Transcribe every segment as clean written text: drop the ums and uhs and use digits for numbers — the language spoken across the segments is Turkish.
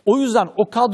O yüzden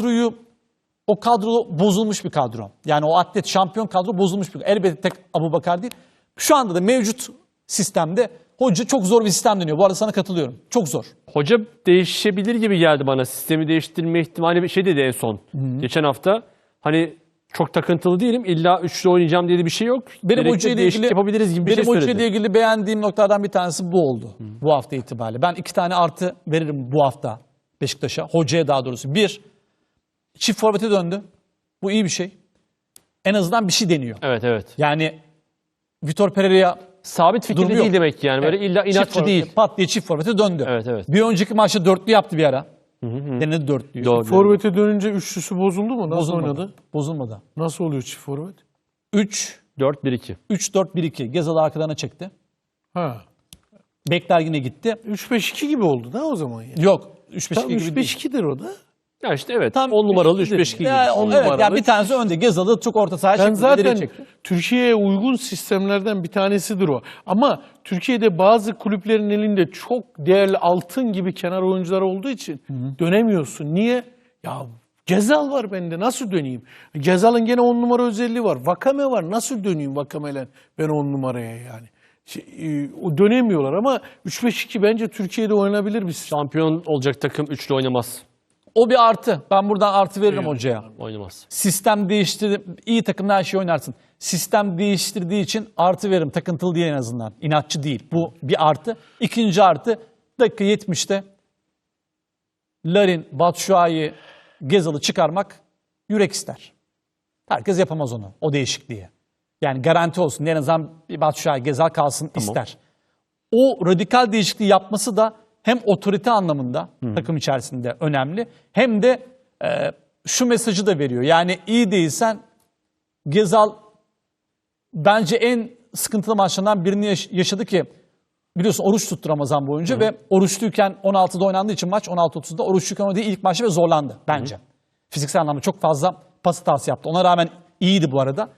o kadro bozulmuş bir kadro. Yani o atlet şampiyon kadro bozulmuş bir kadro. Elbette tek Abubakar değil. Şu anda da mevcut sistemde hoca çok zor bir sistem dönüyor. Bu arada sana katılıyorum. Çok zor. Hoca değişebilir gibi geldi bana. Sistemi değiştirme ihtimali bir şey dedi en son. Geçen hafta. Hani çok takıntılı değilim. İlla üçlü oynayacağım diye de bir şey yok. Benim hocayla ilgili yapabiliriz gibi bir şey söyledi. Benim hocayla ilgili beğendiğim noktalardan bir tanesi bu oldu. Bu hafta itibariyle. Ben 2 tane artı veririm bu hafta Beşiktaş'a. Hocaya daha doğrusu. 1, çift forvete döndü. Bu iyi bir şey. En azından bir şey deniyor. Evet. Yani Vitor Pereira'ya Sabit fikirli değil demek yani. Böyle illa inatçı değil. Pat diye çift forvete döndü. Evet. Bir önceki maçta dörtlü yaptı bir ara. Denedi dörtlüyü. Doğru. Forvet'e dönünce üçlüsü bozuldu mu? Nasıl oynadı? Bozulmadı. Nasıl oluyor çift forvet? 4-1-2. 3-4-1-2. Gezal'ı arkalarına çekti. Ha. Bekler yine gitti. 3-5-2 gibi oldu da o zaman yani. Yok. 3-5-2 Tam gibi değil. 3-5-2'dir o da. Ya işte evet. Tam 10 numaralı 3-5-2 gibi. Evet, numaralı. yani bir tanesi önde. Gezal'ı çok orta sahaya Ben çekti. zaten ileriye çekti. Türkiye'ye uygun sistemlerden bir tanesidir o. Ama Türkiye'de bazı kulüplerin elinde çok değerli altın gibi kenar oyuncular olduğu için dönemiyorsun. Niye? Ya Gezal var bende, nasıl döneyim? Gezal'ın gene 10 numara özelliği var. Vakame var, nasıl döneyim Vakame'yle ben 10 numaraya yani? O dönemiyorlar ama 3-5-2 bence Türkiye'de oynanabilir bir sistem. Şampiyon olacak takım üçlü oynamaz. O bir artı. Ben buradan artı veririm hocaya. Oynamaz. Sistem değiştirdi. İyi takımda her şeyi oynarsın. Sistem değiştirdiği için artı veririm. Takıntılı değil en azından. İnatçı değil. Bu bir artı. İkinci artı. Dakika 70'te Larin, Batshuayi, Gezal'ı çıkarmak yürek ister. Herkes yapamaz onu. O değişikliği. Yani garanti olsun. En azından bir Batshuayi, Gezal kalsın ister. O radikal değişikliği yapması da hem otorite anlamında takım içerisinde önemli, hem de şu mesajı da veriyor. Yani iyi değilsen Gezal bence en sıkıntılı maçlarından birini yaşadı ki, biliyorsun oruç tuttu Ramazan boyunca ve oruçluyken 16'da oynandığı için maç 16.30'da oruçluyken oynadığı ilk maçta ve zorlandı bence. Fiziksel anlamda çok fazla pas hatası yaptı. Ona rağmen iyiydi bu arada.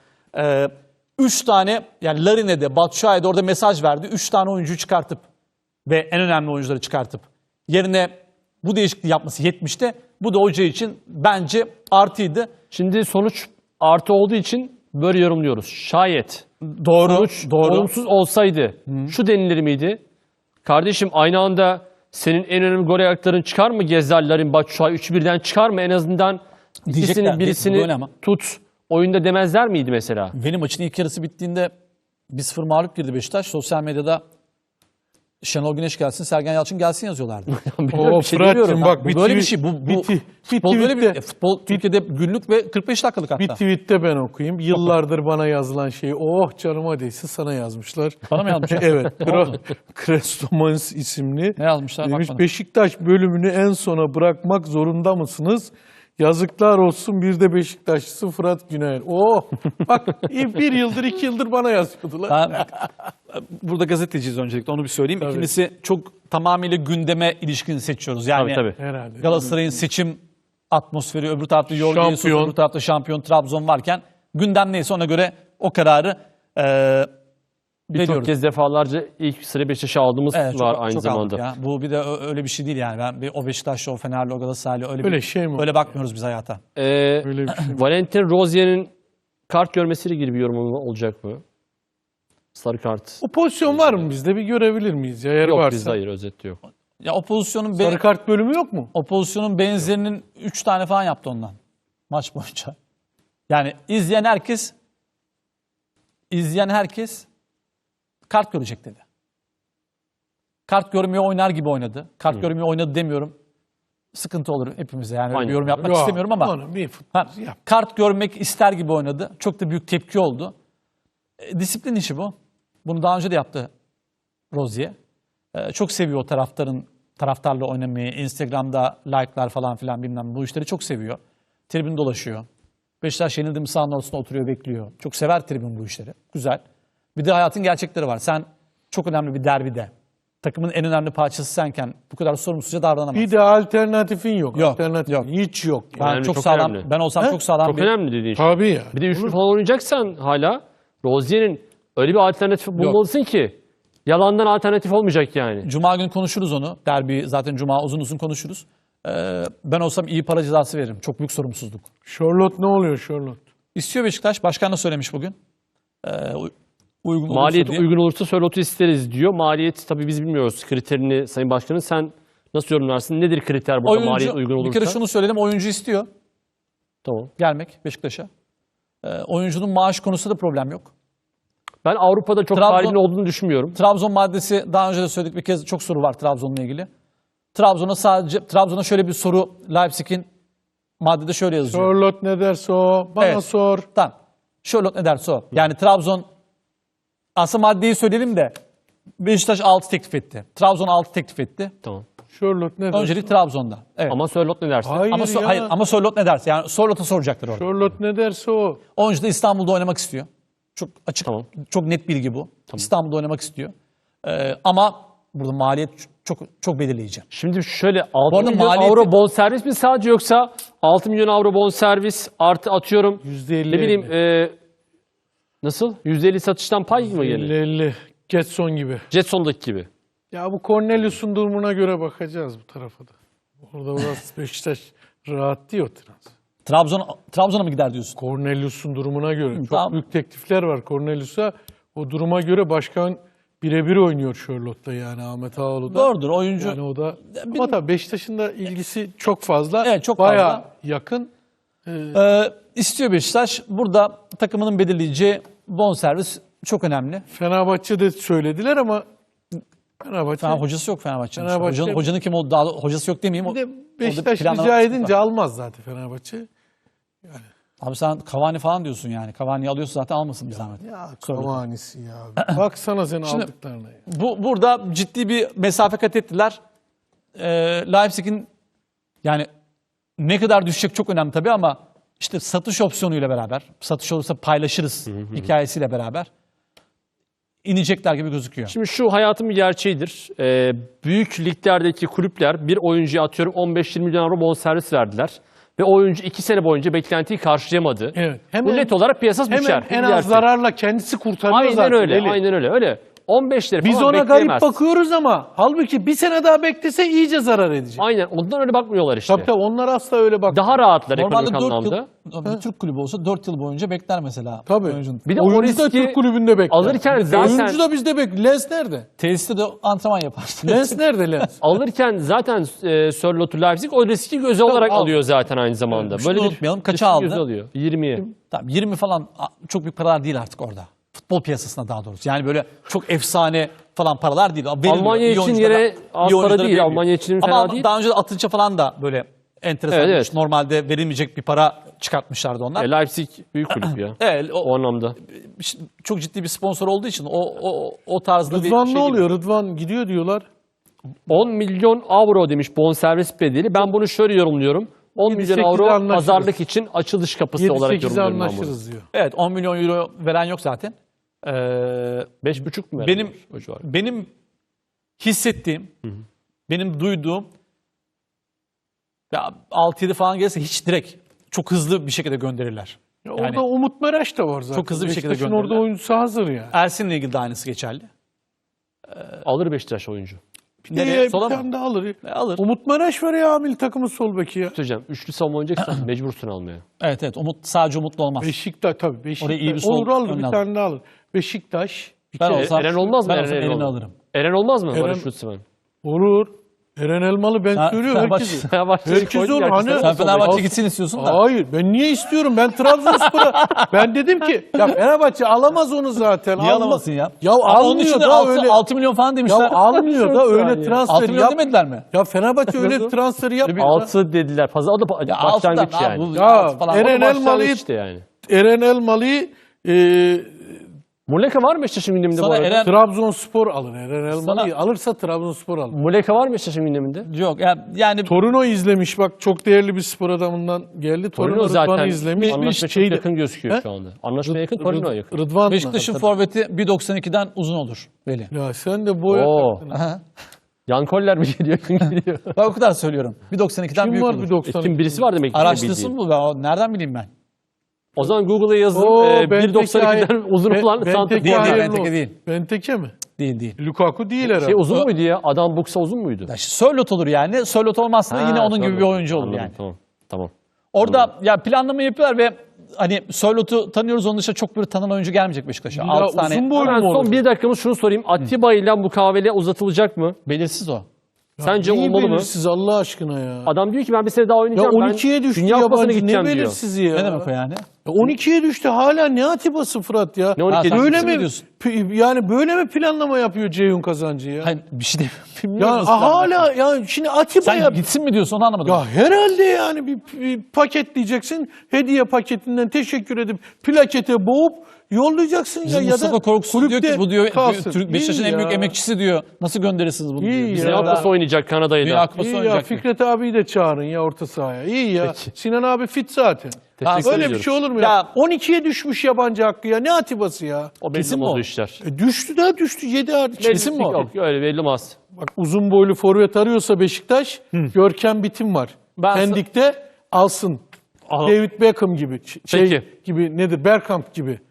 3 tane yani Larin'e de Batshuayi'ye de orada mesaj verdi. 3 tane oyuncuyu çıkartıp ve en önemli oyuncuları çıkartıp yerine bu değişikliği yapması 70'te. Bu da hoca için bence artıydı. Şimdi sonuç artı olduğu için böyle yorumluyoruz. Şayet sonuç olumsuz olsaydı şu denilir miydi? Kardeşim aynı anda senin en önemli gol ayakların çıkar mı? Gezzallerin, Batshuayi 3-1'den çıkar mı? En azından ikisinin birisini tut oyunda demezler miydi mesela? Benim maçın ilk yarısı bittiğinde 1-0 mağlup girdi Beşiktaş. Sosyal medyada Şenol Güneş gelsin, Sergen Yalçın gelsin yazıyorlardı. Fırat'cığım bak bu böyle bir şey. Futbol böyle bir futbol Türkiye'de günlük ve 45 dakikalık hatta. Bir tweette ben okuyayım. Yıllardır bana yazılan şey, oh canıma değsin, sana yazmışlar. Bana mı yazmışlar? Evet. Krestomans isimli. Ne yazmışlar? Demiş, Bak bana. Beşiktaş bölümünü en sona bırakmak zorunda mısınız? Yazıklar olsun bir de Beşiktaşlısı Fırat Güner. Oh bak 1 yıldır 2 yıldır bana yazıyordular. Ben, burada gazeteciyiz öncelikle, onu bir söyleyeyim. Tabii. İkincisi çok tamamıyla gündeme ilişkin seçiyoruz. Yani Tabii. Herhalde. Galatasaray'ın seçim atmosferi, öbür tarafta Jorge Jesus, Şampiyon. öbür tarafta şampiyon Trabzon varken gündem neyse ona göre o kararı Birçok kez defalarca ilk sıra Beşiktaş'a aldığımız var aynı çok zamanda. Ya. Bu bir de öyle bir şey değil yani. Ben o Beşiktaşlı, o Fenerli, o Galatasaraylı Öyle şey mi? öyle bakmıyoruz biz hayata. Öyle bir şey. Valentin Rozier'in kart görmesiyle ilgili bir yorum olacak mı? Sarı kart. O pozisyon var mı bizde? Bir görebilir miyiz? Ya, eğer Yok varsa. bizde hayır, özet yok. Ya o pozisyonun Sarı kart bölümü yok mu? o pozisyonun benzerinin 3 tane falan yaptı ondan maç boyunca. Yani izleyen herkes kart görecek dedi. Kart görmüyor, oynar gibi oynadı. Kart görmüyor, oynadı demiyorum. Sıkıntı olur hepimize. Yani öyle bir yorum yapmak istemiyorum ama kart görmek ister gibi oynadı. Çok da büyük tepki oldu. Disiplin işi bu. Bunu daha önce de yaptı Rozier. Çok seviyor o taraftarla oynamayı. Instagram'da like'lar falan filan bilmem, bu işleri çok seviyor. Tribün dolaşıyor. Beşiktaş yenildi mi sahanın ortasında oturuyor, bekliyor. Çok sever tribün bu işleri. Güzel. Bir de hayatın gerçekleri var. Sen çok önemli bir derbide, takımın en önemli parçası senken bu kadar sorumsuzca davranamazsın. Bir de alternatifin yok. Yok, Alternatif yok. hiç yok. Ben Önemli, çok çok sağlam. önemli. Ben olsam çok sağlam Çok önemli dediğin şey. Tabii ya. Bir de üçlü falan oynayacaksan hala Rozier'in öyle bir alternatif bulmalısın ki yalandan alternatif olmayacak yani. Cuma günü konuşuruz onu. Derbi zaten Cuma uzun uzun konuşuruz. Ben olsam iyi para cezası veririm. Çok büyük sorumsuzluk. Charlotte ne oluyor Charlotte? İstiyor Beşiktaş. Başkan da söylemiş bugün. Uygun olursa Maliyet diye. uygun olursa Sörlot'u isteriz diyor. Maliyet tabii biz bilmiyoruz kriterini Sayın Başkanım. Sen nasıl yorumlarsın? Nedir kriter burada maliyet uygun olursa? Bir kere şunu söyledim. Oyuncu istiyor Tamam. gelmek Beşiktaş'a. Oyuncunun maaş konusunda da problem yok. Ben Avrupa'da çok Trabzon- talibin olduğunu düşünmüyorum. Trabzon maddesi daha önce de söyledik bir kez, çok soru var Trabzon'la ilgili. Trabzon'a şöyle bir soru, Leipzig'in maddede şöyle yazıyor. Charlotte ne derse o. Bana Evet. sor. Tamam. Charlotte ne derse o. Yani Trabzon, aslında maddeyi söyleyelim de Beşiktaş 6 teklif etti. Trabzon 6 teklif etti. Tamam. Charlotte ne derse. Öncelik Trabzon'da. Evet. Ama Sörlot ne dersin? Hayır Ama, ya. hayır, ama Charlotte ne derse. Yani Charlotte'a soracaklar orada. Charlotte ne derse o. Oyuncu da İstanbul'da oynamak istiyor. Çok açık, Tamam. çok net bilgi bu. İstanbul'da oynamak istiyor. Ama burada maliyet çok belirleyici. Şimdi şöyle 6 arada milyon maliyeti- avro bonservis mi sadece yoksa 6 milyon avro bonservis artı atıyorum %50 ne bileyim nasıl? %50 satıştan pay mı geliyor? 50-50. Getson gibi. Jetson'daki gibi. Ya bu Cornelius'un durumuna göre bakacağız bu tarafa da. Orada biraz Beşiktaş rahat değil o transfer. Trabzon'a mı gider diyorsun? Cornelius'un durumuna göre. Çok Tamam. büyük teklifler var Cornelius'a. O duruma göre başkan birebir oynuyor Charlotte'da yani Ahmet Ağaoğlu da. Doğrudur, oyuncu. Yani o da. Ama tabii Beşiktaş'ın da ilgisi çok fazla. Evet, çok Bayağı fazla. yakın. İstiyor Beşiktaş. Burada takımının belirleyeceği bonservis çok önemli. Fenerbahçe'de söylediler ama Fenerbahçe. Hocası yok Fenerbahçe'nin. Fenerbahçe- Hocanın kim olduğu, daha hocası yok demeyeyim. Bir de Orada Beşiktaş planlama rica sıkıntı edince var. almaz zaten Fenerbahçe. Abi sen Cavani falan diyorsun yani. Cavani'yi alıyorsun zaten, almasın bir zahmet. Ya Sorun. Cavani'si ya. Baksana senin Şimdi- aldıklarına ya. Burada ciddi bir mesafe kat ettiler. Leipzig'in yani ne kadar düşecek çok önemli tabii ama işte satış opsiyonuyla beraber, satış olursa paylaşırız hikayesiyle beraber inecekler gibi gözüküyor. Şimdi şu hayatın bir gerçeğidir. Büyük liglerdeki kulüpler bir oyuncuya atıyorum 15-20 milyon avro bonservis verdiler. Ve o oyuncu 2 sene boyunca beklentiyi karşılayamadı. Evet. Bu net olarak piyasası düşer. Hemen en Bu az gerçek. zararla kendisi kurtarıyor Aynen zaten. öyle. Deli. Aynen öyle. Öyle. 15'leri Biz falan ona garip bekleyemez. bakıyoruz ama halbuki bir sene daha beklese iyice zarar edecek. Aynen. Ondan öyle bakmıyorlar işte. Tabii tabii onlar asla öyle bak. Daha rahatlar Normalde ekonomik 4 anlamda. yıl, bir Türk kulübü olsa 4 yıl boyunca bekler mesela. Tabii. Oyuncunun. Bir de o Oyuncu da riski Türk kulübünde bekler. alırken zaten Oyuncu da bizde bekler. Lens nerede? Tesiste de antrenman yapar. Lens nerede Lens? alırken zaten Sörlot'u Leipzig o riski göze olarak al. alıyor zaten aynı zamanda. Şunu unutmayalım, kaça riski aldı? göze alıyor. 20'ye. Tamam, 20 falan çok büyük paralar değil artık orada. Futbol piyasasında daha doğrusu. Yani böyle çok efsane falan paralar değil. Veriliyor. Almanya İyi için oyunculara- yine az iyi para oyunculara değil. veriliyor. Almanya için Ama fena değil. daha önce de Atınç'a falan da böyle enteresan. Evet, evet. Normalde verilmeyecek bir para çıkartmışlardı onlar. Leipzig büyük kulüp ya. Evet, O anlamda. çok ciddi bir sponsor olduğu için o tarzda bir Rıdvan şey ne değil. oluyor? Rıdvan gidiyor diyorlar. 10 milyon avro demiş bonservis bedeli. Ben bunu şöyle yorumluyorum. 10 milyon 7-8'e avro anlaşırız. pazarlık için açılış kapısı olarak 7-8'e yorumluyorum ben bunu. anlaşırız diyor. Evet, 10 milyon euro veren yok zaten. 5,5 mu? Benim vermiş o civar? benim hissettiğim, benim duyduğum ya 6-7 falan gelirse hiç direkt çok hızlı bir şekilde gönderirler. Ya Yani- orada Umut Meraş da var zaten. Çok hızlı bir şekilde Beşiktaş'ın orada gönderirler. oyuncusu hazır yani. Ersin'le ilgili de aynısı geçerli. Alır Beşiktaş oyuncu. Nereye? Bir Sola mı? tane de alır. Alır. Umut Meraş var ya milli takımın sol beki ya. Söyleyeceğim. Üçlü savunma oynayacaksan mecbursun almaya. Evet, sadece Umutlu olmaz. Beşiktaş tabii Beşiktaş. Oraya iyi bir sol Olur alır önüne bir alır. tane de alır. Beşiktaş. Ben olsam, Eren olmaz mı? Ben olsam Eren elini olmaz. alırım. Eren olmaz mı? Eren- Barış Lütfen. Olur. Eren Elmalı ben söylüyorum herkese. Herkes olur. Hani, Sen Fenerbahçe gitsin istiyorsun da. Hayır ben niye istiyorum? Ben Trabzonspor'a ben dedim ki ya Fenerbahçe alamaz onu zaten. Niye alamasın ya? Ya Ama onun almıyor için de da 6, öyle. 6 milyon falan Ya demişler. almıyor da öyle 6 transfer milyon yap. demediler mi? Ya Fenerbahçe öyle transferi yapmıyor. 6 dediler. Fazla o da başlangıç altıdan, yani. bu Ya altı falan. Eren Başlangıç Elmalı'yı işte yani. Eren Elmalı'yı Muleka var mı Beşiktaş'ın gündeminde bu Sana arada? Eren Trabzonspor alır. Eren Elmalı'yı Sana- alırsa Trabzonspor alır. Muleka var mı Beşiktaş'ın gündeminde? yok yani Torino izlemiş bak çok değerli bir spor adamından geldi. Torino Torino zaten Rıdvan'ı izlemiş. anlaşmaya çok Şeyde- yakın gözüküyor He? şu anda. Anlaşmaya yakın, Torino'ya yakın. Rıdvan Beşiktaş'ın forveti 1.92'den uzun olur Veli. Ya sen de boya Oo. taktın. Aha. Yan Koller mi geliyor? Kim geliyor? Ben o kadar söylüyorum. 1.92'den Kim büyük var olur. bir 90? Kim birisi var demek ki. Araştırsın bildiğin. bu. Nereden bileyim ben? O zaman Google'a yazın. Oo, 1.92'den uzun olan Benteke santrafor. Değil, hayırlı Benteke olsun. değil. Benteke mi? Değil. Lukaku değil herhalde. Şey uzun muydu ya? Adam Buksa uzun muydu? Ya işte Sörloth olur yani. Sörloth olmazsa da yine onun gibi bir oyuncu olur Anladım, yani. Tamam. Orada ya planlama yapıyorlar ve hani Sörloth'u tanıyoruz, onun dışında çok böyle tanınan oyuncu gelmeyecek Beşiktaş'a. Ya 6 tane uzun boylu Hemen mu olur? son bir dakikamız şunu sorayım. Atiba ile mukavele uzatılacak mı? belirsiz o. Sence Neyi olmalı mı? belirsiz Allah aşkına ya. Adam diyor ki ben bir sene daha Ya oynayacağım. 12'ye ben düştü Dünya Kupası'na yabancı, ne gideceğim diyor. belirsizi ya. Ne demek o yani? Ya 12'ye düştü hala ne Atiba'sı Fırat ya. Ne 12'ye Ha, Böyle sen mi diyorsun? yani böyle mi planlama yapıyor Ceyhun Kazancı ya? Hani bir şey Ya bilmiyorum. nasıl hala ya şimdi Atiba'ya Sen gitsin mi diyorsun, onu anlamadım. ya herhalde yani bir paketleyeceksin. Hediye paketinden teşekkür edip plakete boğup yollayacaksın Bizim ya Mustafa da Korkusuz diyor kulüpte ki bu diyor kalsın. Beşiktaş'ın İyi en büyük ya. emekçisi diyor. Nasıl gönderirsiniz bunu İyi diyor. ya. Bize Dünya daha- Kupası oynayacak Kanada'yı Dünya da. Kupası İyi ya oynayacak. Fikret abiyi de çağırın ya orta sahaya. İyi ya. Peki. Sinan abi fit zaten. Teşekkür Öyle bir ediyoruz. şey olur mu ya? Ya- 12'ye düşmüş yabancı hakkı ya. Ne Atiba'sı ya? O belli Kesin mi olmaz o? o işler. Düştü daha düştü. 7 artı. Kesin mi o? Yok öyle belli olmaz. Bak uzun boylu forvet arıyorsa Beşiktaş, Görkem Bitim var. Ben- Pendik'te alsın. Aha. David Beckham gibi. Peki. Gibi nedir? Bergkamp gibi.